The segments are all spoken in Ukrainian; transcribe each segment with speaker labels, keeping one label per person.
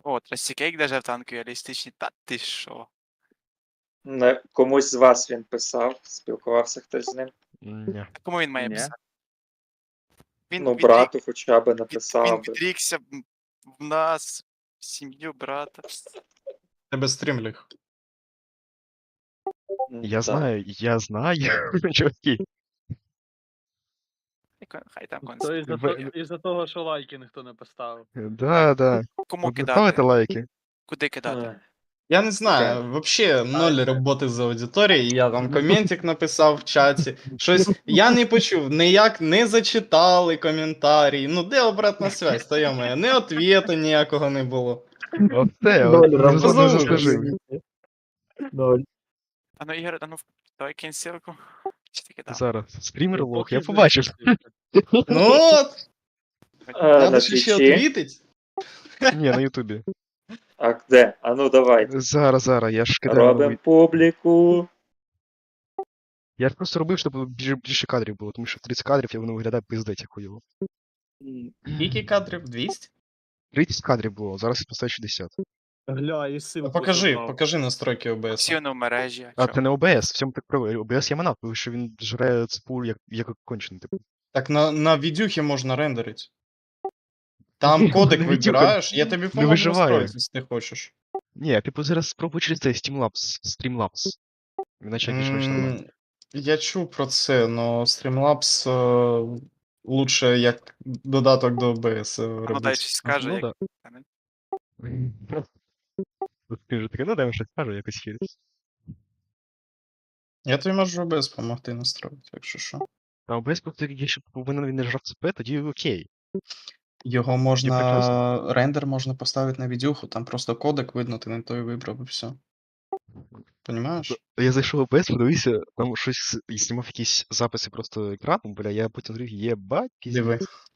Speaker 1: О, Трастікейк даже в танку реалістичний. Та ти що?
Speaker 2: Комусь з вас він писав, спілкувався хтось з ним.
Speaker 3: Ні.
Speaker 1: Кому він має
Speaker 4: Ні.
Speaker 1: писати? Він
Speaker 2: Ну, брату хоча б написав
Speaker 1: Він
Speaker 2: би.
Speaker 1: відрікся в нас, в сім'ю брата.
Speaker 5: Тебе стрім ліг.
Speaker 3: Я
Speaker 2: Так.
Speaker 3: знаю, чуваки.
Speaker 1: Хай там
Speaker 4: То
Speaker 1: конспект.
Speaker 4: із-за того, що лайки ніхто не поставив.
Speaker 3: Да.
Speaker 1: Кому
Speaker 3: Ви
Speaker 1: кидати?
Speaker 3: ставите лайки?
Speaker 1: Куди кидати?
Speaker 5: Я не знаю, вообще ноль роботи з аудиторією, я там коментик написав в чаті, щось, я не почув, ніяк не зачитали коментарі, ну де обратна связь, то я моя, не ответа ніякого не було.
Speaker 3: Оце,
Speaker 5: роботи.
Speaker 3: заслужив.
Speaker 1: А ну, Ігор, а ну, давай кинь ссылку. Чи ти кидав?
Speaker 3: Зараз, стрімер лох,
Speaker 4: Поки
Speaker 3: я побачив.
Speaker 5: Ну от,
Speaker 2: На
Speaker 5: треба ж ще
Speaker 2: Твічі.
Speaker 5: отвітить.
Speaker 3: Ні, на Ютубі.
Speaker 2: А де? А ну давайте.
Speaker 3: Зараз, я ж кидаю.
Speaker 2: Робимо публіку.
Speaker 3: Я ж просто робив, щоб більше кадрів було, тому що 30 кадрів, і воно виглядає пиздець як хуйово.
Speaker 5: Скільки кадрів? 200?
Speaker 3: 30 кадрів було, зараз я поставив 60.
Speaker 4: Гля, і ссылку
Speaker 5: Покажи настройки OBS.
Speaker 1: Всі воно в мережі.
Speaker 3: А
Speaker 1: чо?
Speaker 3: це не OBS, в цьому так правильно. OBS є манав, тому що він жре цпу як кончений, типу.
Speaker 5: Так на відюхі можна рендерити. Там кодек
Speaker 3: На відюха
Speaker 5: вибираєш, я тобі поможу
Speaker 3: виживає.
Speaker 5: настроїти, якщо ти хочеш.
Speaker 3: Ні, типу зараз спробуй через цей Streamlabs. Іначе більш-менш нормально.
Speaker 5: Я чув про це, но Streamlabs лучше як додаток до OBS
Speaker 1: А ну дай
Speaker 5: робити.
Speaker 1: щось скаже,
Speaker 3: Ну,
Speaker 1: як...
Speaker 3: да. Ти вже таке, ну дай мені щось скажу, якось хір.
Speaker 5: Я тобі можу OBS допомогти настроїти, якщо що.
Speaker 3: А OBS просто якщо повинен він не жрав ЦП, тоді окей.
Speaker 5: Його
Speaker 3: прекрасно.
Speaker 5: можна. Рендер можна поставити на відюху, там просто кодек видно, ти не той вибрав і все. Понімаєш?
Speaker 3: Я зайшов в OBS, подивився, там щось і знімав якісь записи просто екрану, бля, я потім зрив, єбать,
Speaker 5: Диви.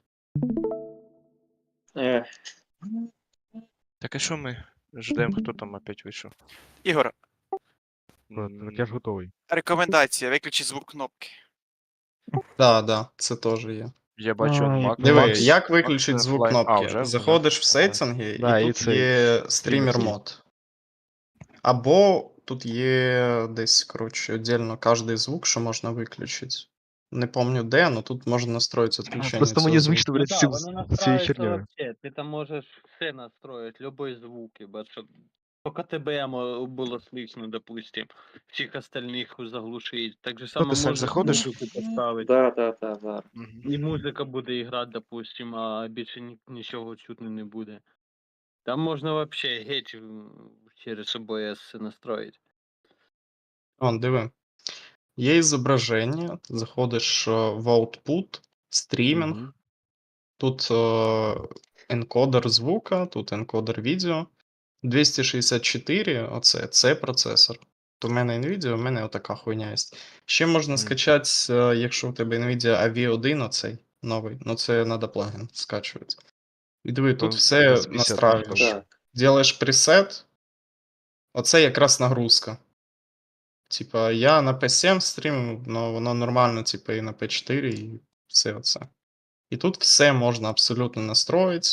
Speaker 2: Е,
Speaker 6: Так а що ми ждемо, хто там опять вийшов?
Speaker 1: Ігор,
Speaker 3: Так я ж готовий.
Speaker 1: рекомендація, виключи звук кнопки.
Speaker 5: Да, це теж є.
Speaker 6: Я бачу Mac.
Speaker 5: Диви,
Speaker 6: Max-
Speaker 5: як виключити
Speaker 6: Max
Speaker 5: звук
Speaker 6: Fly-
Speaker 5: кнопки?
Speaker 6: вже?
Speaker 5: Заходиш в
Speaker 6: Вже?
Speaker 5: сеттинги,
Speaker 3: Да,
Speaker 5: і
Speaker 3: і
Speaker 5: тут
Speaker 3: цей
Speaker 5: є стрімер
Speaker 3: стрімер.
Speaker 5: мод. Або тут є десь, коротше, віддільно кожний звук, що можна виключити. Не пам'ятаю де, але тут можна настроїти відключення.
Speaker 3: Просто
Speaker 5: цього
Speaker 3: мені
Speaker 5: звуку.
Speaker 3: звично,
Speaker 4: Ну
Speaker 3: блядь,
Speaker 4: да,
Speaker 3: з цим-
Speaker 4: воно
Speaker 3: з цією
Speaker 4: настраивается
Speaker 3: хернею.
Speaker 4: вообще. Ты там можешь все настроить, любые звуки, щоб только тебе было слышно, допустим. Всех остальных заглушить. Так же само
Speaker 6: ти сам
Speaker 4: можеш
Speaker 6: заходиш?
Speaker 4: музику поставити.
Speaker 2: да.
Speaker 4: І музика буде грати, допустим, а більше нічого чутно не буде. Там можна вообще геть через OBS все настроїти.
Speaker 5: Вон, диви. Є зображення, заходиш в output, стрімінг,
Speaker 3: Мгм.
Speaker 5: тут енкодер звука, тут енкодер відео. 264, оце, це процесор. То в мене NVIDIA, у мене отака хуйня є. Ще можна скачати, якщо у тебе NVIDIA AV1, оцей новий, ну це треба плагін скачувати. І диви, тут
Speaker 3: То
Speaker 5: все
Speaker 3: 250
Speaker 5: настраюєш.
Speaker 2: Так.
Speaker 5: Делаєш пресет, оце якраз нагрузка. Типа, я на P7 стрімив, але воно нормально, типа, і на P4, і все оце. І тут все можна абсолютно настроїти,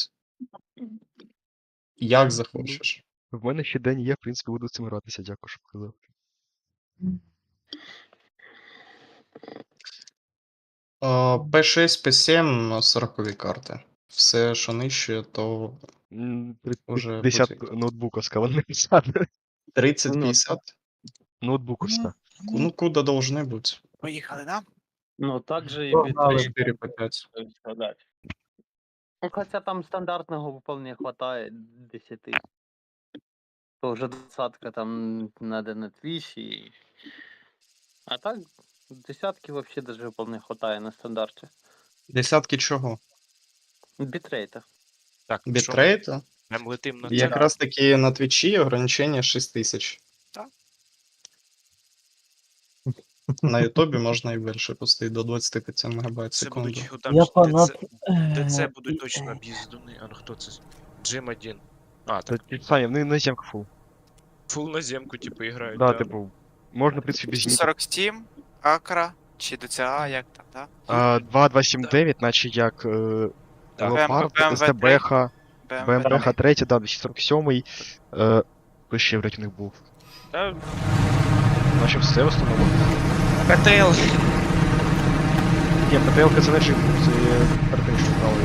Speaker 5: як захочеш.
Speaker 3: В мене ще день є, в принципі, буду з цим гратися, дякую, що показав.
Speaker 5: P6, P7 40 карти. Все, що нижче, то Уже
Speaker 3: 50
Speaker 5: буде.
Speaker 3: ноутбуковська, вони написали.
Speaker 5: 30-50.
Speaker 3: Ноутбуковська.
Speaker 5: Ну, куди должны бути?
Speaker 1: Поїхали, да?
Speaker 4: Ну, также и
Speaker 5: Погнали
Speaker 4: битрейт,
Speaker 5: 4 по 5.
Speaker 4: так сказать. Ну, хотя там стандартного вполне хватает 10. То уже 20 там надо на Twitch и... А так, десятки вообще даже вполне хватает на стандарте.
Speaker 5: Десятки чого?
Speaker 4: Битрейта.
Speaker 6: Так, що?
Speaker 5: Бітрейта?
Speaker 6: Прям летим на це.
Speaker 5: Якраз таки на Твічі ограничення 6000.
Speaker 1: Так.
Speaker 5: На Ютубі можна і більше пустити до 25 МБ в
Speaker 6: Це
Speaker 5: секунду.
Speaker 6: будуть там
Speaker 7: Я
Speaker 6: ж
Speaker 7: фанат.
Speaker 6: ТЦ будуть точно об'їздуни. А ну хто це? Джим 1. А,
Speaker 3: Та
Speaker 6: так.
Speaker 3: Саня, вони на земку фул.
Speaker 6: Фул на земку, типу, грають.
Speaker 3: Да, типу, можна, в принципі, без ніг.
Speaker 1: 47, Акра, чи DCA, як там, да?
Speaker 3: 2279, наче як
Speaker 6: Так.
Speaker 3: Леопард,
Speaker 1: BMW3.
Speaker 3: СТБХ, БМП 3, да, 247-й. Хто ще, блядь, у них був?
Speaker 6: Та
Speaker 3: Наче все в основному.
Speaker 6: КТЛ.
Speaker 3: Ні, ПТЛ це не джим, це перед тим, що брали.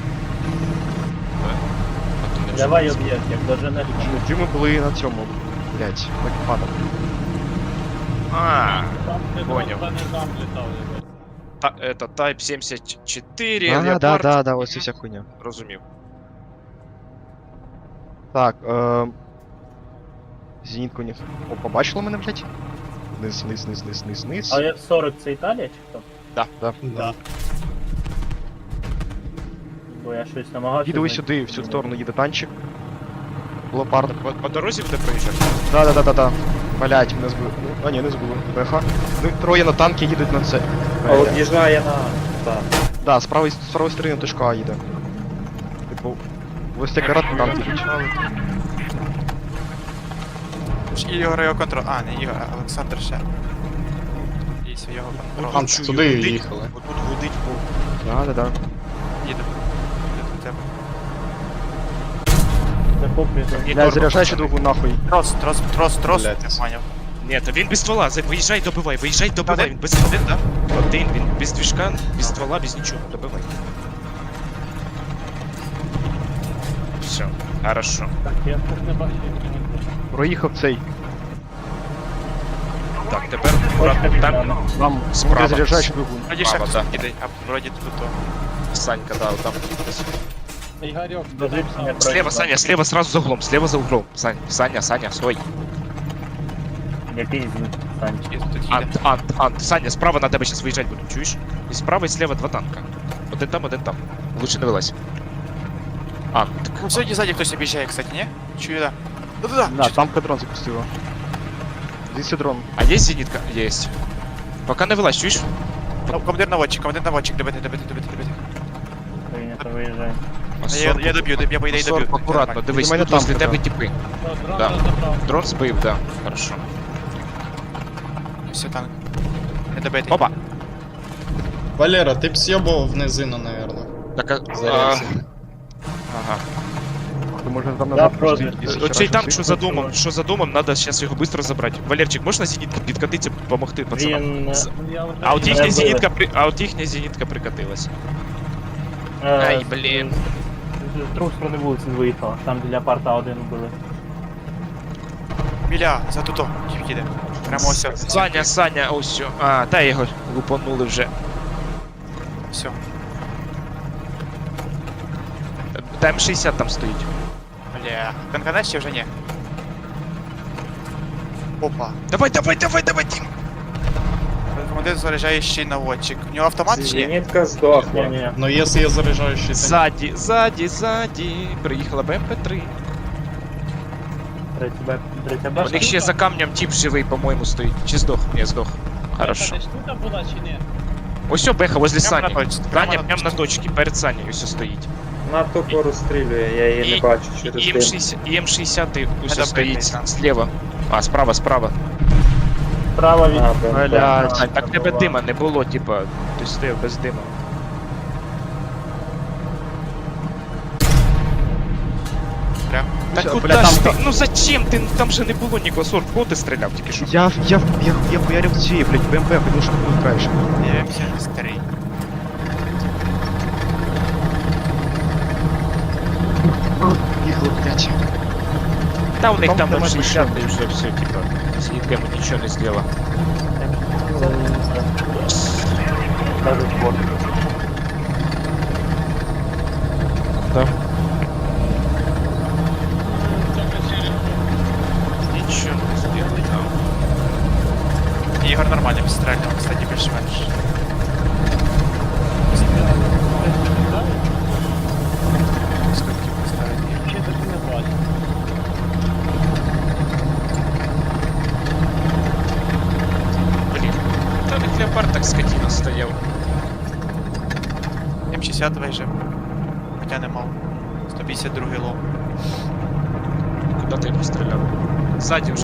Speaker 4: Давай об'єкт, як доженеш.
Speaker 3: Джими були на цьому, блядь, на кіпадах.
Speaker 6: А, поняв.
Speaker 4: не там літав, ебать.
Speaker 6: Это Type 74,
Speaker 3: А,
Speaker 6: Leopard.
Speaker 3: да, ось ця вся хуйня.
Speaker 6: Розумів.
Speaker 3: Так, зенітку не... О, побачили мене, блядь? Низ.
Speaker 4: А F40 це Італія чи хто?
Speaker 5: Да.
Speaker 4: Бо я щось намагався.
Speaker 3: Їду ось
Speaker 4: знайти.
Speaker 3: сюди, в цю сторону їде танчик. Леопард.
Speaker 6: По дорозі буде проїжджати?
Speaker 3: Да. Блять, мене збили. А ні, не збили. БХ. Ну, троє на танки їдуть на це.
Speaker 2: А от їжджає на... Так.
Speaker 3: Да, з правої сторони точка А їде. Типу, ось цей карат танки їдуть.
Speaker 1: Ігор його контроль. А, не Ігор, а Олександр ще. І його контроль.
Speaker 5: Там
Speaker 6: Чую,
Speaker 5: туди
Speaker 6: гудить.
Speaker 5: їхали.
Speaker 6: Отут гудить по...
Speaker 3: Да.
Speaker 1: Їде. Їде до тебе.
Speaker 4: Захоплює.
Speaker 6: Ні,
Speaker 3: Бля,
Speaker 6: торба,
Speaker 3: заряджай ще
Speaker 6: пацани.
Speaker 3: другу нахуй.
Speaker 1: Трос,
Speaker 5: Блядь.
Speaker 1: не поняв.
Speaker 6: Ні, то він без ствола. Виїжджай, добивай.
Speaker 1: Один?
Speaker 6: Він без один, да? Один, він без движка, без ствола, без нічого. Добивай. Все, хорошо.
Speaker 4: Так, я тут не бачу.
Speaker 3: Проїхав цей.
Speaker 6: Так, тепер акуратно там
Speaker 3: Там
Speaker 6: Справа.
Speaker 3: заряджай ще другу.
Speaker 1: Вроді ще
Speaker 6: Мама,
Speaker 1: хтось
Speaker 6: да.
Speaker 1: їде, а вроді тут то.
Speaker 6: Санька, да, там. десь.
Speaker 4: Ігорьок,
Speaker 6: Слева, Саня, слева сразу за углом, Саня, стой.
Speaker 4: Який з них, Санчик?
Speaker 1: І тут їде.
Speaker 6: Ант, Саня, справа на тебе зараз виїжджати будуть, чуєш? І справа і слева два танка. Один там. Лучше не вилазь. Ант.
Speaker 1: Ну, ззаді хтось об'їжджає, кстати, ні? Чую, да. Да.
Speaker 3: Да, там дрон запустила. Здесь дрон.
Speaker 6: А є зенітка? Єсть. Пока не вилазь, чуєш?
Speaker 1: Командир наводчик, добити.
Speaker 4: Прийнято, виїжджай.
Speaker 1: Я доб'ю, я по ідеї доб'ю.
Speaker 6: Акуратно, дивись,
Speaker 3: До мене
Speaker 6: тут возле
Speaker 3: танки,
Speaker 6: тебе
Speaker 3: да.
Speaker 6: типи. Да. Дрон збив, да. Хорошо.
Speaker 1: Все, танк. Не добити.
Speaker 6: Опа!
Speaker 5: Валера, ти б съебував в низину, наверное.
Speaker 6: Так,
Speaker 5: Зарядся.
Speaker 6: ага.
Speaker 3: Ти може там
Speaker 4: Да,
Speaker 3: назад
Speaker 4: просто.
Speaker 3: пустити, якщо
Speaker 6: Оцей
Speaker 3: ще
Speaker 6: танк,
Speaker 3: раз
Speaker 6: що за домом, надо зараз його швидко забрати. Валерчик, можна зенітку підкатитися, допомогти пацанам?
Speaker 4: Він...
Speaker 6: А от їхня
Speaker 4: Мене
Speaker 6: зенітка, зенітка прикатилась. Ай, блін.
Speaker 4: З другої сторони вулиці виїхала, там біля парта один були.
Speaker 1: Біля, за туто, їде. Прямо ось.
Speaker 6: Саня, ось все. А, та його лупанули вже.
Speaker 1: Все.
Speaker 6: Та М60 там стоїть.
Speaker 1: Бля. Конканець чи вже ні? Опа.
Speaker 6: Давай, Дім!
Speaker 1: Командир заряджає ще й наводчик. У нього автомат чи ні?
Speaker 2: Зенітка здохла.
Speaker 4: Ні-ні.
Speaker 5: Но если я заряжающий танк...
Speaker 6: Ззаді. Приїхала БМП-3.
Speaker 4: Третя
Speaker 6: У
Speaker 4: башня.
Speaker 6: них ще за камнем тип живий, по-моєму, стоїть. Чи здох? Ні, здох. Хорошо.
Speaker 4: штука була чи ні?
Speaker 6: Ось о, Беха, возле
Speaker 1: Прямо
Speaker 6: Сані.
Speaker 1: на точці,
Speaker 6: Саня прямо на точці, перед Сані ось стоїть.
Speaker 2: На тупо розстрілює, я її не бачу через
Speaker 6: І
Speaker 2: дим.
Speaker 6: М60 ось
Speaker 1: Це
Speaker 6: стоїть
Speaker 1: добрий
Speaker 6: зліва. А, справа.
Speaker 4: Справа від...
Speaker 2: А, БМП.
Speaker 3: Блядь.
Speaker 6: А, так тебе дима не було, типа, ти стояв без дима.
Speaker 1: Прям.
Speaker 6: Так
Speaker 3: Бля,
Speaker 6: куда
Speaker 3: там
Speaker 6: ж ти?
Speaker 3: та-
Speaker 6: Ну зачем ти? Я же не було нікого. Сорт, кого ти стріляв тільки що?
Speaker 3: Я хуярив цієї, блядь, БМП, хотів, щоб був краще.
Speaker 1: Я М73.
Speaker 3: Їхали, блядь.
Speaker 6: Та у них там
Speaker 3: нема
Speaker 6: 60 і вже все, типа, з нітками нічого не зробила. Нічого не зробили там.
Speaker 1: Ігор нормально підстрелював, кстати, більш-менш. Скільки підстрелював?
Speaker 6: Блін. Та них леопард так скотина стояв.
Speaker 1: М60 вижив. Хоча не мав. 152 лом.
Speaker 6: Куди ти його стріляв? Ззаді вже.